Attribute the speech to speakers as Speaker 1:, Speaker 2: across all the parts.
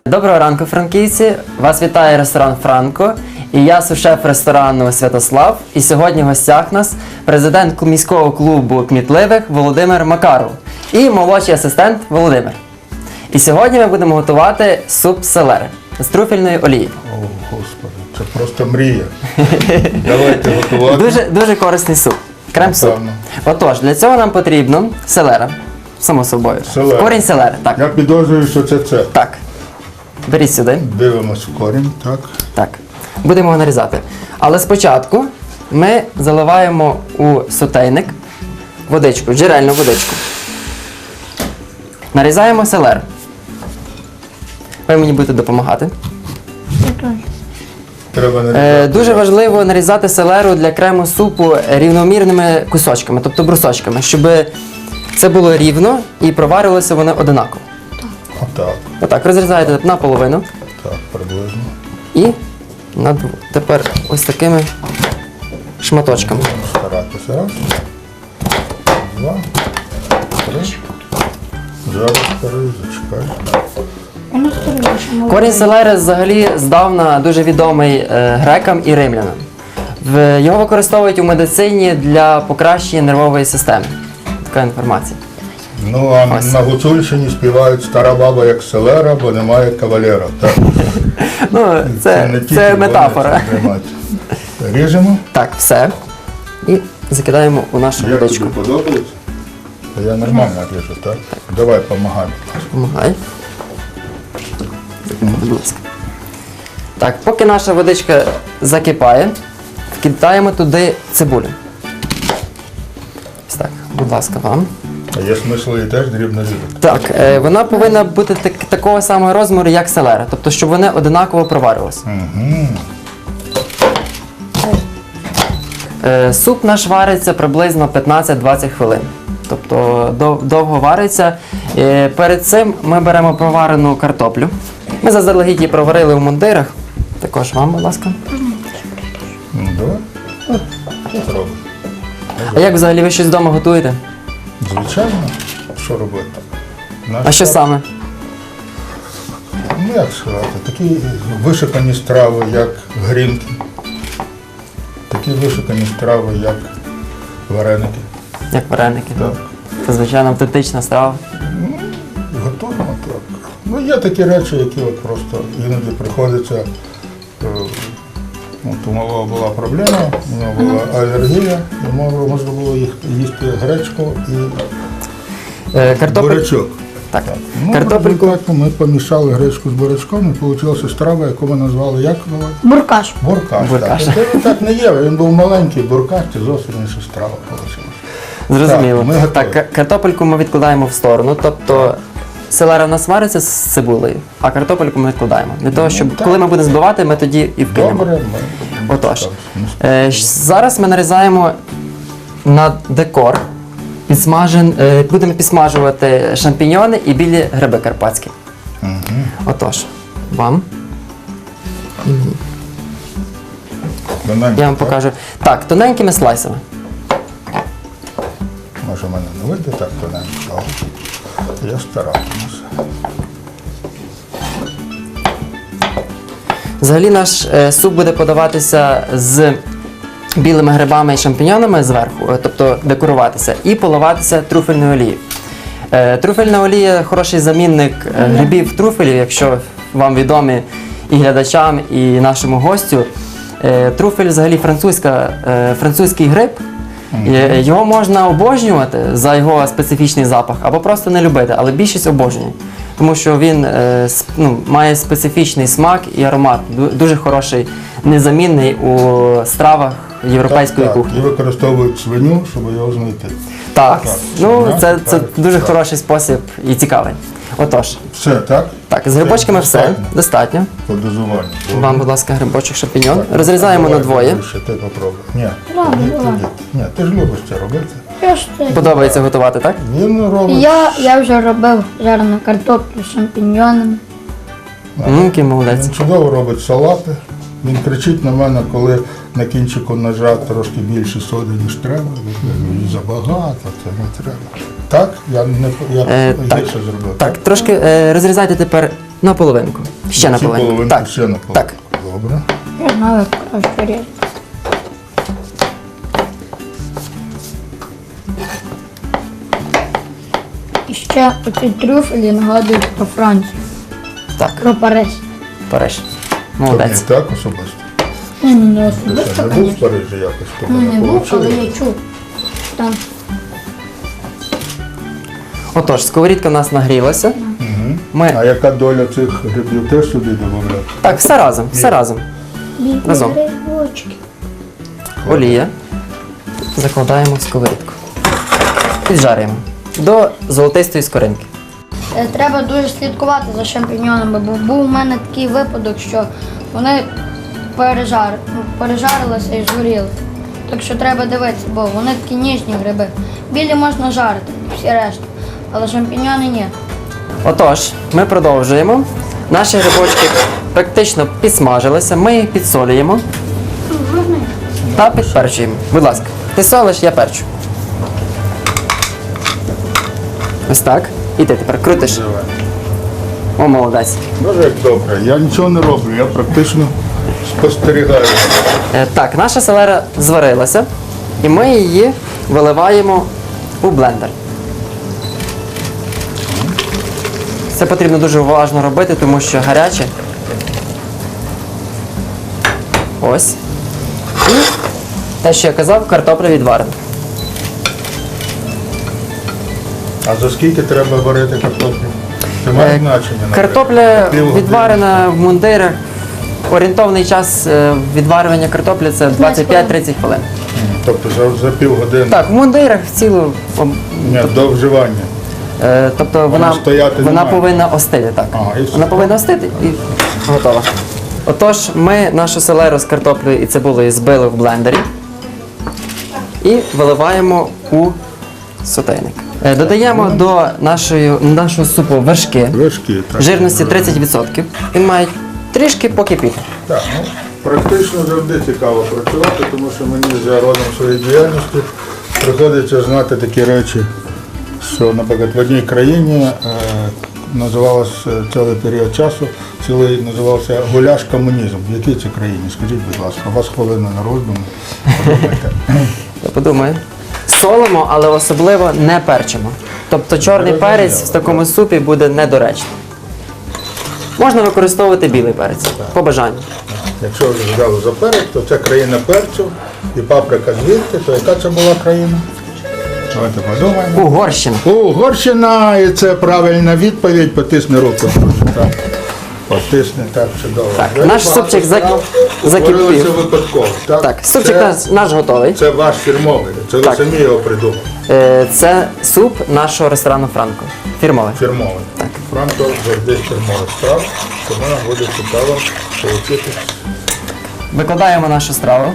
Speaker 1: Доброго ранку, франківці! Вас вітає ресторан «Франко» і я сушеф ресторану «Святослав». І сьогодні в гостях нас президент міського клубу кмітливих Володимир Макаров і молодший асистент Володимир. І сьогодні ми будемо готувати суп селери з трюфельною олією.
Speaker 2: О, Господи, це просто мрія. Давайте готувати.
Speaker 1: Дуже корисний суп. Крем-суп.
Speaker 2: Напевно.
Speaker 1: Отож, для цього нам потрібно селера, само собою.
Speaker 2: Селера.
Speaker 1: Корінь селери, так.
Speaker 2: Я підозрюю, що це це.
Speaker 1: Так. Беріть сюди.
Speaker 2: Дивимось в корінь, так.
Speaker 1: Так. Будемо його нарізати. Але спочатку ми заливаємо у сотейник водичку, джерельну водичку. Нарізаємо селеру. Ви мені будете допомагати.
Speaker 2: Треба нарізати.
Speaker 1: Дуже важливо нарізати селеру для крему супу рівномірними кусочками, тобто брусочками, щоб це було рівно і проварилося воно одинаково.
Speaker 2: Отак,
Speaker 1: Отак, розрізаєте наполовину
Speaker 2: так, приблизно.
Speaker 1: і тепер ось такими шматочками.
Speaker 2: Старатися. Раз. Два. Три. Зараз зачекай.
Speaker 1: Корінь селери взагалі здавна дуже відомий грекам і римлянам. Його використовують у медицині для покращення нервової системи. Така інформація.
Speaker 2: Ну, а
Speaker 1: Ось.
Speaker 2: на Гуцульщині співають «Стара баба як селера, бо немає кавалера». Так.
Speaker 1: Ну,
Speaker 2: Не тільки
Speaker 1: це
Speaker 2: вони
Speaker 1: метафора.
Speaker 2: цим займаються. Ріжемо.
Speaker 1: Так, все. І закидаємо у нашу
Speaker 2: Як
Speaker 1: водичку.
Speaker 2: тобі подобається? Та я нормально ріжу, так? Давай, помагай.
Speaker 1: Помагай. Будь ласка. Так, поки наша водичка закипає, вкидаємо туди цибулю. Ось так, будь ласка, вам.
Speaker 2: А є смисл її теж дрібно різати.
Speaker 1: Так, вона повинна бути такого самого розміру, як селера. Тобто, щоб вони одинаково проварювалися. Суп наш вариться приблизно 15-20 хвилин. Тобто довго вариться. Перед цим ми беремо проварену картоплю. Ми заздалегідь її проварили в мундирах. Також вам, будь ласка.
Speaker 2: Ну, давай. Спробуй.
Speaker 1: А як взагалі ви щось вдома готуєте?
Speaker 2: Звичайно, що робити?
Speaker 1: А що саме?
Speaker 2: Ну, як сказати, такі вишукані страви, як грінки. Такі вишукані страви, як вареники.
Speaker 1: Як вареники?
Speaker 2: Так.
Speaker 1: Це, звичайно, автентична страва.
Speaker 2: Готуємо так. Ну, є такі речі, які от просто іноді приходиться. От у малого була проблема, у нього була алергія, і можна було їсти гречку і бурячок.
Speaker 1: Так.
Speaker 2: Ну,
Speaker 1: Картопельку.
Speaker 2: в результаті ми помішали гречку з бурячком і вийшла страва, яку ми назвали як?
Speaker 3: Буркаш.
Speaker 2: Буркаш.
Speaker 1: Буркаш.
Speaker 2: Так. Він так не є, він був маленький буркаш, це зовсім інша страва вийшла.
Speaker 1: Зрозуміло.
Speaker 2: Так, ми готові.
Speaker 1: Так, картопельку ми відкладаємо в сторону. Тобто селера в нас вариться з цибулею, а картопельку ми відкладаємо. Для того, щоб
Speaker 2: так.
Speaker 1: коли ми будемо збивати, ми тоді і вкинемо.
Speaker 2: Добре, ми
Speaker 1: Отож,
Speaker 2: так,
Speaker 1: зараз ми нарізаємо на декор, будемо підсмажувати шампіньйони і білі гриби карпатські. Отож, вам.
Speaker 2: тоненько,
Speaker 1: Я вам
Speaker 2: так?
Speaker 1: покажу. Так, тоненькими слайсами.
Speaker 2: Може, в мене не вийде так тоненько, але я старатимуся.
Speaker 1: Взагалі наш суп буде подаватися з білими грибами і шампіньонами зверху, тобто декоруватися, і поливатися трюфельною олією. Трюфельна олія – хороший замінник грибів трюфелів, якщо вам відомі і глядачам, і нашому гостю. Трюфель взагалі французький гриб. Його можна обожнювати за його специфічний запах, або просто не любити, але більшість обожнює. Тому що він має специфічний смак і аромат, дуже хороший, незамінний у стравах європейської кухні.
Speaker 2: І використовують свиню, щоб його знайти.
Speaker 1: Так,
Speaker 2: свиня,
Speaker 1: це
Speaker 2: так,
Speaker 1: дуже
Speaker 2: так.
Speaker 1: хороший спосіб і цікавий. Отож,
Speaker 2: Все, так?
Speaker 1: так, з грибочками все, достатньо.
Speaker 2: По дозуванню.
Speaker 1: Вам, будь ласка, грибочок шампіньон.
Speaker 2: Так,
Speaker 1: Розрізаємо
Speaker 2: давай,
Speaker 1: на двоє.
Speaker 2: Ще ти попробуй. Ні,
Speaker 3: Ладно,
Speaker 2: ні,
Speaker 3: ладно.
Speaker 2: ти ж любиш це робити.
Speaker 3: Я ж те.
Speaker 1: Подобається готувати, так?
Speaker 2: Він робить.
Speaker 3: Я вже робив жарену картоплю з шампіньйонами.
Speaker 1: Який молодець.
Speaker 2: Він чудово робить салати. Він кричить на мене, коли на кінчику ножа трошки більше соди, ніж треба. Забагато, це не треба. Так? Я не
Speaker 1: Так.
Speaker 2: гірше зробив.
Speaker 1: Так, трошки розрізайте тепер на половинку. Ще на
Speaker 2: Ці
Speaker 1: половинку.
Speaker 2: половинки
Speaker 1: Так.
Speaker 2: ще на половинку.
Speaker 1: Так.
Speaker 2: Добре.
Speaker 3: Я знаю, як краще різати. І ще оці трюфелі нагадують про Францію,
Speaker 1: Так,
Speaker 3: про Париж.
Speaker 1: Париж.
Speaker 2: Тобі
Speaker 1: Молодець.
Speaker 2: так особисто.
Speaker 3: Не
Speaker 2: Ти
Speaker 3: особисто,
Speaker 2: ще не був в
Speaker 3: звісно.
Speaker 2: Парижі якось? Тобі
Speaker 3: Ну, не був, але
Speaker 2: вийшло?
Speaker 3: я чув. Там
Speaker 1: Отож, сковорідка в нас нагрілася. Ми...
Speaker 2: А яка доля цих грибів теж сюди додати?
Speaker 1: Так, все разом, все разом. Разом.
Speaker 3: грибочки.
Speaker 1: Олія. Закладаємо в сковорідку. Піджарюємо до золотистої скоринки.
Speaker 3: Треба дуже слідкувати за шампіньонами, бо був у мене такий випадок, що вони пережарилися і згоріли. Так що треба дивитися, бо вони такі ніжні гриби. Білі можна жарити, всі решта, але шампіньони ні.
Speaker 1: Отож, ми продовжуємо. Наші грибочки практично підсмажилися, ми їх підсолюємо та підперчуємо. Будь ласка, ти солиш, я перчу. Ось так. І ти тепер крутиш.
Speaker 2: Давай.
Speaker 1: О, молодець.
Speaker 2: Дуже як добре. Я нічого не роблю, я практично спостерігаю.
Speaker 1: Так, наша селера зварилася, і ми її виливаємо у блендер. Це потрібно дуже уважно робити, тому що гаряче. Ось. І те, що я казав, картопля відварена.
Speaker 2: А за скільки треба варити картоплю? Це має значення? наприклад?
Speaker 1: Картопля
Speaker 2: Півгодини?
Speaker 1: відварена в мундирах. Орієнтовний час відварювання картоплі це 25-30 хвилин.
Speaker 2: Тобто за півгодини?
Speaker 1: Так, в мундирах цілу.
Speaker 2: Ні, до вживання.
Speaker 1: Тобто вона
Speaker 2: стояти не має?
Speaker 1: повинна остити, так.
Speaker 2: Ага, і все.
Speaker 1: Вона повинна остити і готова. Отож, ми нашу селеру з картоплею і цибулею збили в блендері і виливаємо у сотейник. Додаємо до нашого супу вершки
Speaker 2: Вершки, так.
Speaker 1: жирності 30%. Він має трішки покипіти.
Speaker 2: Так, ну, практично завжди цікаво працювати, тому що мені за родом своєї діяльності приходиться знати такі речі, що, наприклад, в одній країні називалось цілий період часу, називався гуляш комунізм. В якій це країні? Скажіть, будь ласка, у вас хвилина на роздум. Подумайте.
Speaker 1: Я подумаю. Солимо, але особливо не перчимо. Тобто чорний
Speaker 2: Зрозуміло,
Speaker 1: перець в такому супі буде недоречним. Можна використовувати білий перець, по бажанню.
Speaker 2: Якщо ви взяли за перець, то це країна перцю і паприка звідти, то яка це була країна? Давайте подумаємо.
Speaker 1: Угорщина.
Speaker 2: Угорщина, і це правильна відповідь. Потисни руку, друже. Так. Потисни, так, чудово.
Speaker 1: Так,
Speaker 2: Дуже
Speaker 1: наш
Speaker 2: багато
Speaker 1: супчик
Speaker 2: справ
Speaker 1: закипів.
Speaker 2: утворилося випадково. Так,
Speaker 1: Так, супчик
Speaker 2: це,
Speaker 1: наш готовий.
Speaker 2: це ваш фірмовий, це ви
Speaker 1: Так.
Speaker 2: самі його придумали.
Speaker 1: Це суп нашого ресторану Франко. Фірмовий.
Speaker 2: Фірмовий.
Speaker 1: Так.
Speaker 2: Франко завжди фірмовий страв, тому нам буде цікаво отримати.
Speaker 1: Викладаємо нашу страву.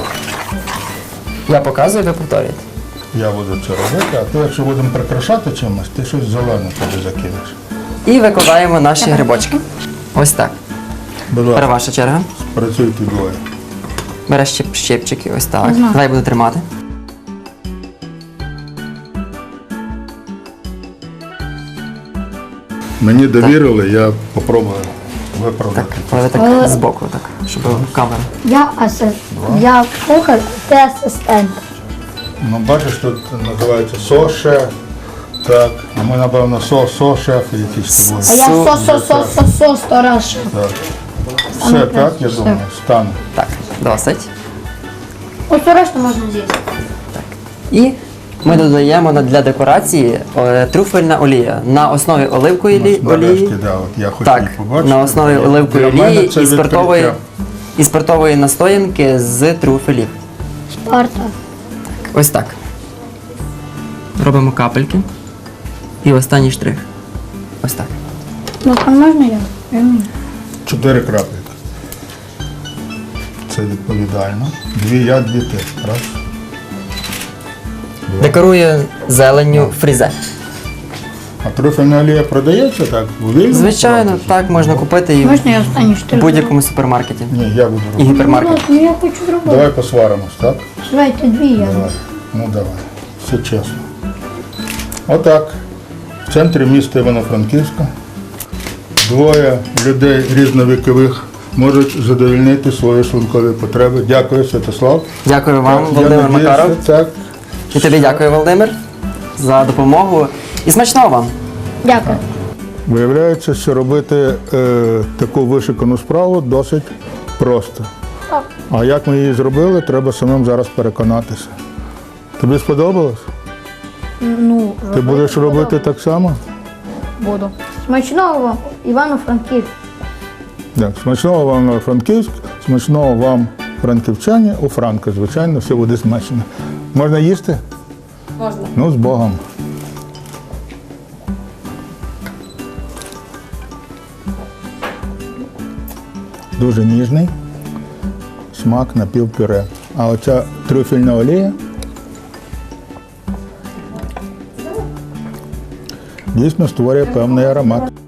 Speaker 1: Я показую, ви повторюєте.
Speaker 2: Я буду це робити, а то якщо будемо прикрашати чимось, ти щось зелене туди закинеш.
Speaker 1: І викладаємо наші грибочки. Ось так.
Speaker 2: Будь
Speaker 1: Тепер
Speaker 2: ласка,
Speaker 1: ваша черга.
Speaker 2: працюйте двоє.
Speaker 1: Береш щипчики, ось так.
Speaker 3: Знаю.
Speaker 1: Давай буду тримати.
Speaker 2: Мені довірили, я попробую виправдати.
Speaker 1: Але ви так збоку, так, щоб камера.
Speaker 3: Я кухар, ти асистент.
Speaker 2: Ну, бачиш, тут називається со-шеф. Так, а ми, напевно, со-шеф якийсь з тобою.
Speaker 3: А я со-со-со-со-со сторож.
Speaker 2: Так. Все, так, я думаю, стане.
Speaker 1: Так, досить.
Speaker 3: Оцю решту можна з'їсти.
Speaker 1: І ми додаємо для декорації трюфельна олія на основі оливкової
Speaker 2: Нарешті,
Speaker 1: олії.
Speaker 2: да, от я хочу
Speaker 1: Так,
Speaker 2: її побачити.
Speaker 1: на основі оливкової
Speaker 2: Для мене
Speaker 1: олії
Speaker 2: це
Speaker 1: і спиртової настоянки з трюфелів.
Speaker 3: Спарта.
Speaker 1: Ось так. Робимо капельки. І останній штрих. Ось так.
Speaker 3: Ну, а можна я? Я вмію.
Speaker 2: 4 краплі. Це відповідально. 2 я, 2 ти. Раз.
Speaker 1: Декорує зеленню фрізе.
Speaker 2: А трюфельна олія продається так? У вільному
Speaker 1: Звичайно,
Speaker 2: продажі?
Speaker 1: так можна купити її
Speaker 3: Можна я останній
Speaker 1: в
Speaker 3: штук?
Speaker 1: будь-якому супермаркеті
Speaker 2: Ні, я буду
Speaker 1: і
Speaker 2: робити.
Speaker 1: гіпермаркеті.
Speaker 3: Ну, я хочу зробити.
Speaker 2: Давай посваримось, так?
Speaker 3: Давайте дві я.
Speaker 2: Давай. Ну давай. Все чесно. Отак. В центрі міста Івано-Франківська двоє людей різновікових можуть задовольнити свої шлункові потреби. Дякую, Святослав.
Speaker 1: Дякую вам,
Speaker 2: Я
Speaker 1: Володимир
Speaker 2: надіюся,
Speaker 1: Макаров.
Speaker 2: так.
Speaker 1: І тобі дякую, Володимир, за допомогу. І смачного вам!
Speaker 3: Дякую.
Speaker 2: Виявляється, що робити таку вишикану справу досить просто.
Speaker 3: Так.
Speaker 2: А як ми її зробили, треба самим зараз переконатися. Тобі сподобалось?
Speaker 3: Ну,
Speaker 2: Ти будеш робити так само?
Speaker 3: буду. Смачного вам, Івано-Франківськ.
Speaker 2: Так, смачного вам Франківськ, смачного вам франківчані, у Франка, звичайно, все буде смачно. Можна їсти?
Speaker 4: Можна.
Speaker 2: Ну, з Богом. Дуже ніжний смак напівпюре. А оця трюфельна олія дійсно створює певний аромат.